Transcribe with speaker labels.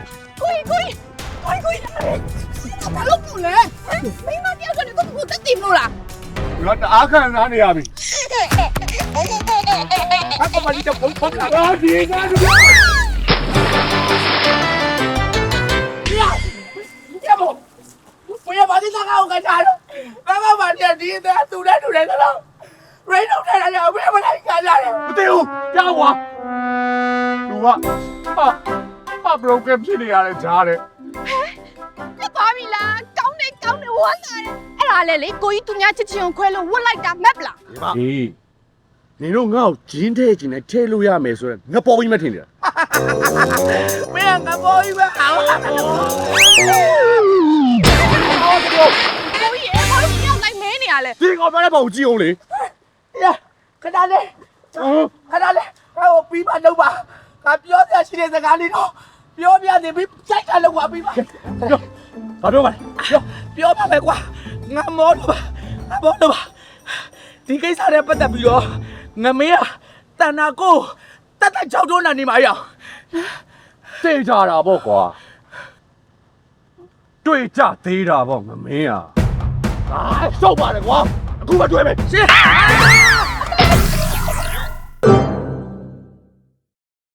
Speaker 1: ဘာလို့ဘူးလဲမင်းမတယောက်ကနေတော့ကိုတက်တင်လို့လား
Speaker 2: ငါတအားခံစားနေရပြီအကမလေးတော့ပုံပုံလာဒီကနေ့呀不，不要把这三个我给查了，刚刚把这第一单堵来堵来的了，瑞龙太太不要把他干下来，不对哦，让我，有啊，不能跟屁你家的查的，
Speaker 1: 你ဘာပြီလားကောင်းတယ်ဝမ်းသာတယ်အဲ့ဒါလေလေကိုကြီးသူများချစ်ချင်းကိုခွဲလို့ဝတ်လိုက်တာမက်လား
Speaker 3: ဒီနင်တို့ငါ့ကိုဂျင်းထဲကျင်နဲ့ထဲလို့ရမယ်ဆိုတော့ငါပေါ်ပြီးမထင်နေတာ
Speaker 2: 没人敢包一个好啊，
Speaker 1: ကိုကြီးအဲ့ဘာလို့မြောက်လိုက်မဲနေရလဲ
Speaker 3: ဒီကောင်ပြောတဲ့ပုံကြည့်အောင်လေ
Speaker 2: 呀，看他嘞，看他嘞，看我比吧弄吧，看表弟系列在哪里头，表弟你比再看了我比吧，
Speaker 3: ဘာပြောပါလဲ
Speaker 2: 表爸没挂，俺毛了吧，俺毛了吧，ဒီကိစ္စနဲ့ပတ်သက်ပြီးတော့ငမေးကတန်နာကိုတတ်ချောက်တွန်းနေမှာရအောင်
Speaker 3: သိကြတာပေါ့ကွာတွေ့ကြသေးတာပေါ့ငမင်းอ่ะအာရှုပ်ပါလေကွာအခုမှတွေ့မယ်
Speaker 2: ရှင်း